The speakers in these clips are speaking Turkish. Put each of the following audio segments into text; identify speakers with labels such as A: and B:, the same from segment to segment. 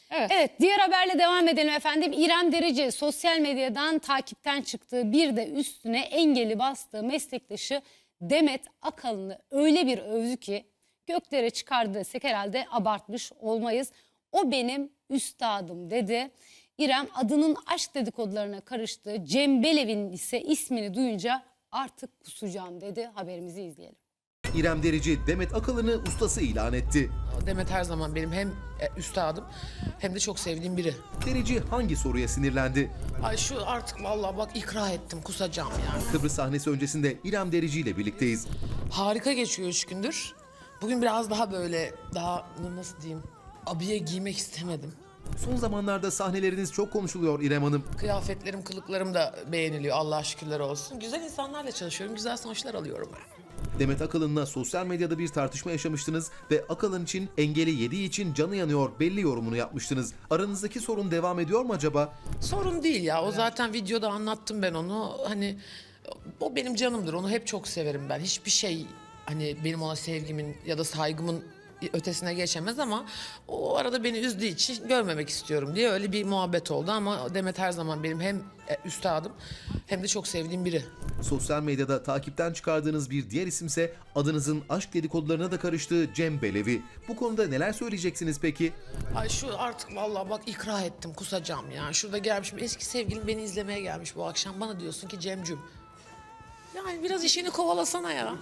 A: Evet, diğer haberle devam edelim efendim. İrem Derici sosyal medyadan takipten çıktığı, bir de üstüne engeli bastığı meslektaşı Demet Akalın'ı öyle bir övdü ki göklere çıkardı desek herhalde abartmış olmayız. O benim üstadım dedi. İrem adının aşk dedikodularına karıştığı Cem Belevin ise ismini duyunca artık kusacağım dedi. Haberimizi izleyelim.
B: İrem Derici Demet Akalın'ı ustası ilan etti.
C: Demet her zaman benim hem üstadım hem de çok sevdiğim biri.
B: Derici hangi soruya sinirlendi?
C: Ay şu artık vallahi bak ikra ettim, kusacağım yani.
B: Kıbrıs sahnesi öncesinde İrem Derici ile birlikteyiz.
C: Harika geçiyor 3 gündür. Bugün biraz daha böyle nasıl diyeyim, abiye giymek istemedim.
B: Son zamanlarda sahneleriniz çok konuşuluyor İrem Hanım.
C: Kıyafetlerim, kılıklarım da beğeniliyor, Allah'a şükürler olsun. Güzel insanlarla çalışıyorum, güzel sonuçlar alıyorum ben.
B: Demet Akalın'la sosyal medyada bir tartışma yaşamıştınız ve Akalın için engeli yediği için canı yanıyor belli yorumunu yapmıştınız. Aranızdaki sorun devam ediyor mu acaba?
C: Sorun değil ya, o zaten videoda anlattım ben onu. Hani o benim canımdır, onu hep çok severim ben. Hiçbir şey hani benim ona sevgimin ya da saygımın ötesine geçemez ama o arada beni üzdüğü için görmemek istiyorum diye öyle bir muhabbet oldu. Ama Demet her zaman benim hem üstadım hem de çok sevdiğim biri.
B: Sosyal medyada takipten çıkardığınız bir diğer isimse adınızın aşk dedikodularına da karıştığı Cem Belevi. Bu konuda neler söyleyeceksiniz peki?
C: Ay şu artık vallahi bak ikra ettim, kusacağım ya. Şurada gelmişim, eski sevgilim beni izlemeye gelmiş bu akşam. Bana diyorsun ki Cemcüm, yani biraz işini kovalasana ya.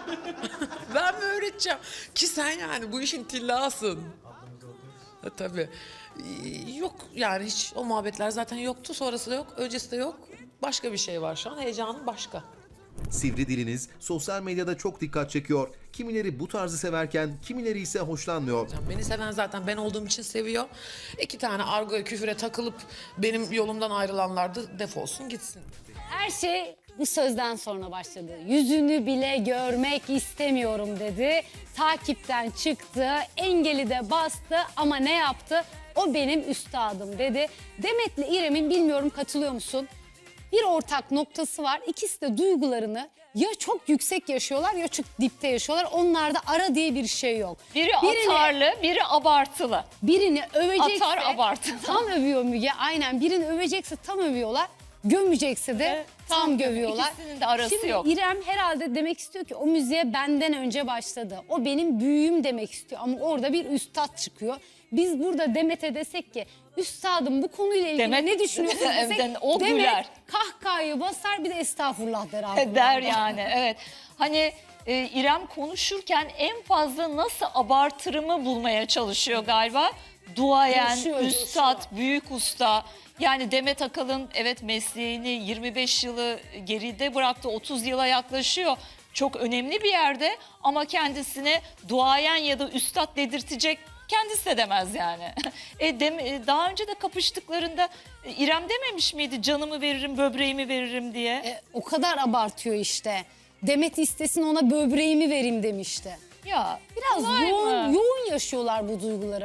C: Ben mi öğreteceğim? Ki sen yani bu işin tillasın. Tabii. Yok yani, hiç o muhabbetler zaten yoktu. Sonrası da yok, öncesi de yok. Başka bir şey var şu an. Heyecanım başka.
B: Sivri diliniz sosyal medyada çok dikkat çekiyor. Kimileri bu tarzı severken kimileri ise hoşlanmıyor.
C: Beni seven zaten ben olduğum için seviyor. 2 tane argoya, küfüre takılıp benim yolumdan ayrılanlar da defolsun gitsin.
A: Her şey bu sözden sonra başladı. Yüzünü bile görmek istemiyorum dedi. Takipten çıktı, engeli de bastı ama ne yaptı? O benim üstadım dedi. Demet'le İrem'in, bilmiyorum katılıyor musun, bir ortak noktası var. İkisi de duygularını ya çok yüksek yaşıyorlar ya çok dipte yaşıyorlar. Onlarda ara diye bir şey yok.
D: Biri atarlı, biri abartılı.
A: Birini övecekse
D: Atar, abartı.
A: tam övüyor Müge. Aynen, birini övecekse tam övüyorlar. Gömecekse de
D: Evet,
A: tam gövüyorlar.
D: İkisinin de arası
A: Şimdi
D: yok.
A: İrem herhalde demek istiyor ki o müziğe benden önce başladı. O benim büyüğüm demek istiyor ama orada bir üstad çıkıyor. Biz burada Demet'e desek ki üstadım bu konuyla ilgili
D: Demet-
A: ne düşünüyorsun desek,
D: Evet, o
A: Demet
D: güler.
A: kahkahayı basar, bir de estağfurullah der abi.
D: Der yani, evet. Hani İrem konuşurken en fazla nasıl abartırımı bulmaya çalışıyor galiba. Duayen,
A: Coşuyor,
D: üstad, büyük usta. Yani Demet Akalın evet mesleğini 25 yılı geride bıraktı, 30 yıla yaklaşıyor. Çok önemli bir yerde ama kendisine duayen ya da üstad dedirtecek kendisi de demez yani. Daha önce de kapıştıklarında İrem dememiş miydi canımı veririm, böbreğimi veririm diye?
A: O kadar abartıyor işte. Demet istesin ona böbreğimi vereyim demişti.
D: Ya
A: Biraz
D: kolay mı?
A: yoğun yaşıyorlar bu duyguları.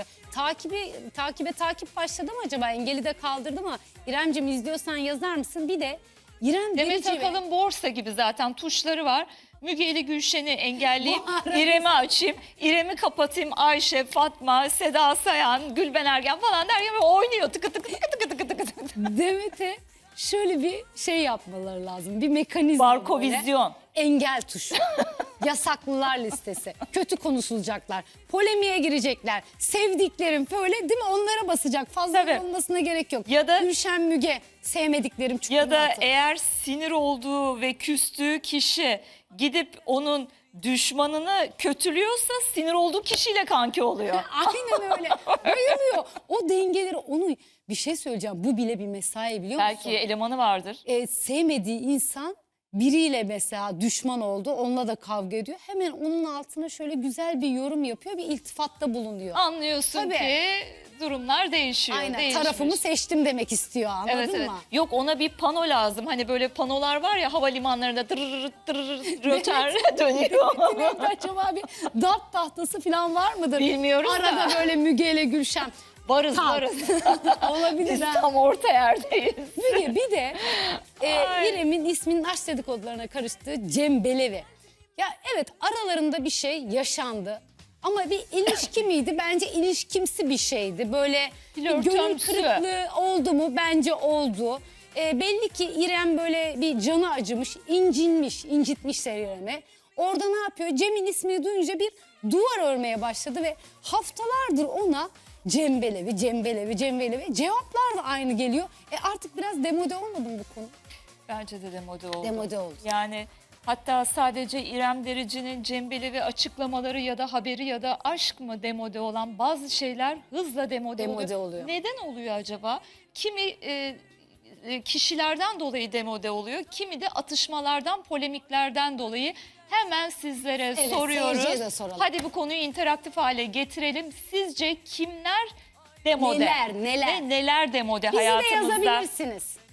A: Takip başladı mı acaba? Engeli de kaldırdı mı? İremciğim, izliyorsan yazar mısın? Bir de İrem
D: Demet
A: Derici ve-
D: Akalın borsa gibi zaten tuşları var. Müge ile Gülşen'i engelleyip
A: Bu arada-
D: İrem'i açayım, İrem'i kapatayım, Ayşe, Fatma, Seda Sayan, Gülben Ergen falan derken böyle oynuyor tıkı tıkı tıkı tıkı tıkı tıkı tıkı.
A: Demet'e şöyle bir şey yapmaları lazım. Bir mekanizma böyle.
D: Barkovizyon.
A: Engel tuşu. Yasaklılar listesi. Kötü konuşulacaklar. Polemiğe girecekler. Sevdiklerim böyle, değil mi? Onlara basacak. Fazla
D: Tabii.
A: olmasına gerek yok.
D: Ya da-
A: Gülşen, Müge, sevmediklerim çukuruna
D: Ya da
A: atın.
D: eğer sinir olduğu ve küstüğü kişi gidip onun düşmanını kötülüyorsa sinir olduğu kişiyle kanki oluyor.
A: Aynen öyle. Bayılıyor. O dengeleri, onu bir şey söyleyeceğim. Bu bile bir mesai, biliyor musun?
D: Belki elemanı vardır.
A: Sevmediği insan biriyle mesela düşman oldu. Onunla da kavga ediyor. Hemen onun altına şöyle güzel bir yorum yapıyor. Bir iltifatta bulunuyor.
D: Anlıyorsun
A: Tabii.
D: ki durumlar değişiyor.
A: Aynen,
D: değişmiş.
A: tarafımı seçtim demek istiyor, anladın
D: Evet, evet.
A: mı?
D: Yok, ona bir pano lazım. Hani böyle panolar var ya havalimanlarında röter dönüyor.
A: Evet, acaba bir dart tahtası falan var mıdır?
D: Bilmiyoruz
A: Arada
D: da.
A: böyle Müge ile Gülşen.
D: Varız
A: Tak.
D: varız.
A: Olabilir
D: Biz
A: ha.
D: tam orta yerdeyiz.
A: Bir de
D: Ay.
A: İrem'in isminin aşk dedikodularına karıştığı Cem Belevi. Ya evet, aralarında bir şey yaşandı Ama bir ilişki miydi? Bence ilişkimsi bir şeydi. Böyle bir gönül
D: Flörtömsü.
A: kırıklığı oldu mu? Bence oldu. Belli ki İrem böyle bir canı acımış, incinmiş, incitmişler İrem'i. Orada ne yapıyor? Cem'in ismini duyunca bir duvar örmeye başladı ve haftalardır ona Cembelevi, Cembelevi, Cembelevi cevaplar da aynı geliyor. Artık biraz demode olmadı mı bu konu?
D: Bence de demode oldu.
A: Demode oldu.
D: Yani hatta sadece İrem Derici'nin Cembelevi açıklamaları ya da haberi ya da aşk mı demode olan bazı şeyler hızla demode
A: oluyor.
D: Neden oluyor acaba? Kimi kişilerden dolayı demode oluyor. Kimi de atışmalardan, polemiklerden dolayı. Hemen sizlere
A: Evet,
D: soruyoruz.
A: seyirciye de soralım.
D: Hadi bu konuyu interaktif hale getirelim. Sizce kimler demode?
A: Neler?
D: Ve neler demode
A: Bizi de
D: hayatımızda?
A: yazabilirsiniz.